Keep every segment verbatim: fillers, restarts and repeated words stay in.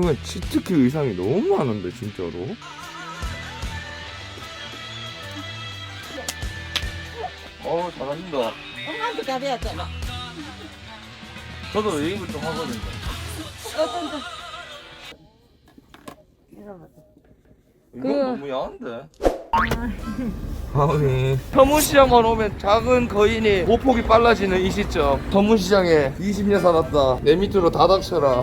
이건 치트키 의상이 너무 많은데 진짜로. 어 잘한다. 엄마한테 가봐야 돼. 저도 웨이브 좀 하거든요. 어떤 이건 그- 너무 야한데. 아니 서문시장만 오면 작은 거인이 보폭이 빨라지는 이 시점. 서문시장에 이십 년 살았다. 내 밑으로 다 닥쳐라.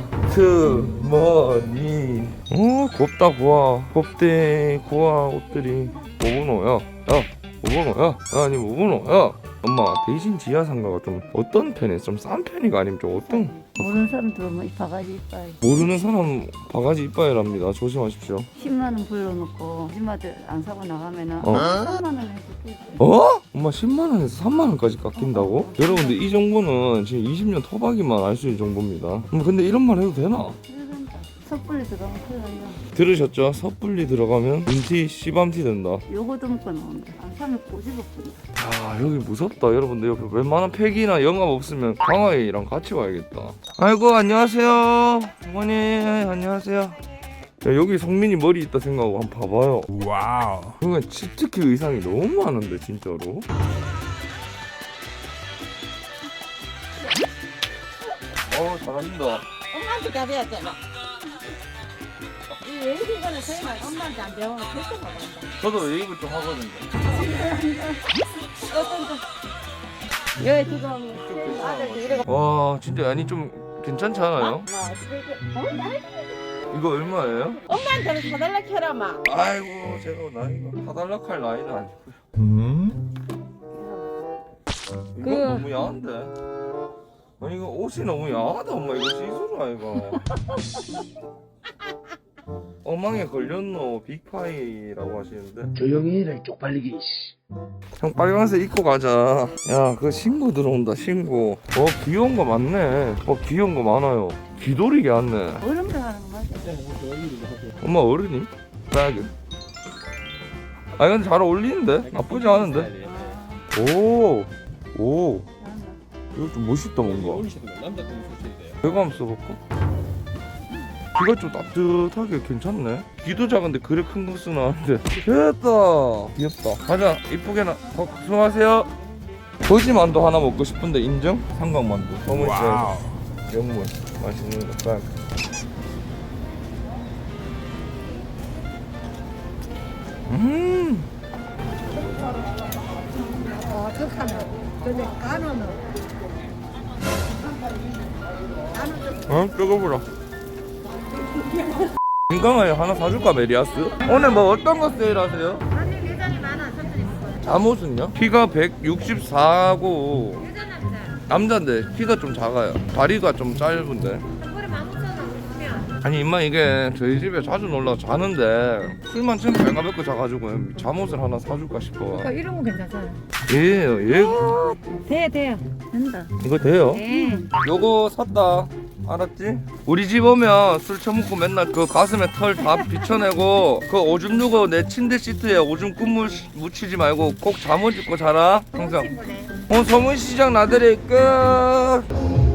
트머니. 어 곱다 고와. 곱대 고와 옷들이. 오분호야. 야 오분호야. 아니 오분호야. 엄마 대신 지하상가가 좀 어떤 편이야? 좀 싼 편이가 아니면 좀 어떤? 모르는 사람 들어오면 이 바가지 이빨 모르는 사람 바가지 이빠이랍니다. 조심하십시오. 십만 원 불러놓고 아줌마들 안 사고 나가면은 어. 삼만 원 해줄게. 어? 엄마 십만 원에서 삼만 원까지 깎인다고? 여러분들 이 정보는 지금 이십 년 토박이만 알 수 있는 정보입니다. 엄마 근데 이런 말 해도 되나? 그러니까 섣불리 들어가면 큰일 난다. 들으셨죠? 섣불리 들어가면 눈티 씨밤티 된다. 요거도 먹고 나온다. 안 사면 꼬집어 뿌려. 아 여기 무섭다. 여러분들 여기 웬만한 팩이나 영감 없으면 강아이랑 같이 와야겠다. 아이고 안녕하세요 어머니. 안녕하세요. 야, 여기 성민이 머리 있다 생각하고 한번 봐봐요. 와우. 그러니까 치트키 의상이 너무 많은데 진짜로. 어 잘한다. 엄마한테 가봐야 돼. 이 웨이빙거는 저희만 엄마한테 안 배우면 절대 못 한다. 저도 웨이브 좀 하거든요. 어떤 여기 지금 아들 이래가 와 진짜 아니 좀 괜찮지 않아요? 이거 얼마예요? 엄마한테는 사달라 캐라 마. 아이고 제가 나이가 사달락 할 나이는 아니고요. 음? 이거 그- 너무 야한데? 아니 이거 옷이 너무 야하다 엄마. 이거 시스루 아이가. 어망에 걸렸노 빅파이라고 하시는데. 조용히 해라 이 쪽팔리기. 형 빨간색 입고 가자. 야 그 신고 들어온다 신고. 어 귀여운 거 많네. 어 귀여운 거 많아요. 귀돌이게 왔네. 어른들 하는 거 맞아. 엄마 어른이? 빼야겠. 아 근데 잘 어울리는데? 나쁘지 않은데? 오! 오! 이거 좀 멋있다 뭔가. 이거 한번 써볼까? 귀가 좀 따뜻하게 괜찮네. 귀도 작은데 그래 큰 거 쓰나는데. 됐다. 귀엽다. 가자 이쁘게 나. 어, 수고하세요. 거지만두 하나 먹고 싶은데 인정? 삼각만두. 서문시장에서 영문 맛있는 거 딱. 음. 어, 극하면. 근데 간호는. 어? 뜨거워라. 인강아에 하나 사줄까 메리아스? 오늘 뭐 어떤 거 세일하세요? 아니 매장이 많아. 선생님 먹어요. 잠옷은요? 키가 백육십사고 여자 남자. 남자인데 키가 좀 작아요. 다리가 좀 짧은데. 한번에 만 오천 원 주면. 아니 임마 이게 저희 집에 자주 놀러 자는데 술만 좀 발가벗고 자가지고 잠옷을 하나 사줄까 싶어. 이런 거 괜찮아요. 예요 예. 돼, 돼요. 된다. 이거 돼요? 네. 요거 샀다. 알았지? 우리 집 오면 술 처먹고 맨날 그 가슴에 털 다 비춰내고 그 오줌 누고 내 침대 시트에 오줌 꿀물 묻히지 말고 꼭 잠옷 입고 자라 항상. 어 서문시장 나들이 끝.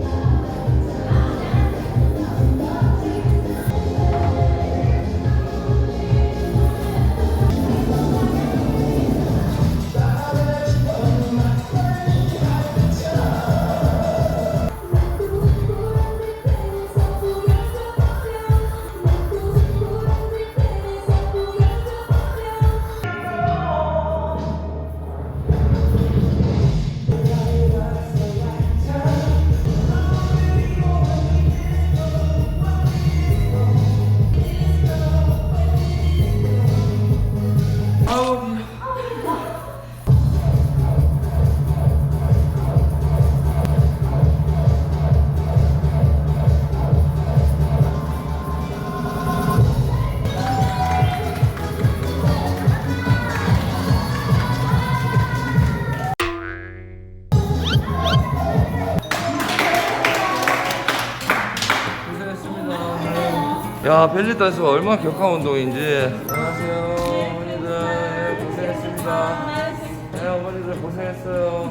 야 벨리 댄스가 얼마나 격한 운동인지. 안녕하세요 어머니들. 네, 고생했습니다. 네 어머니들 고생했어요.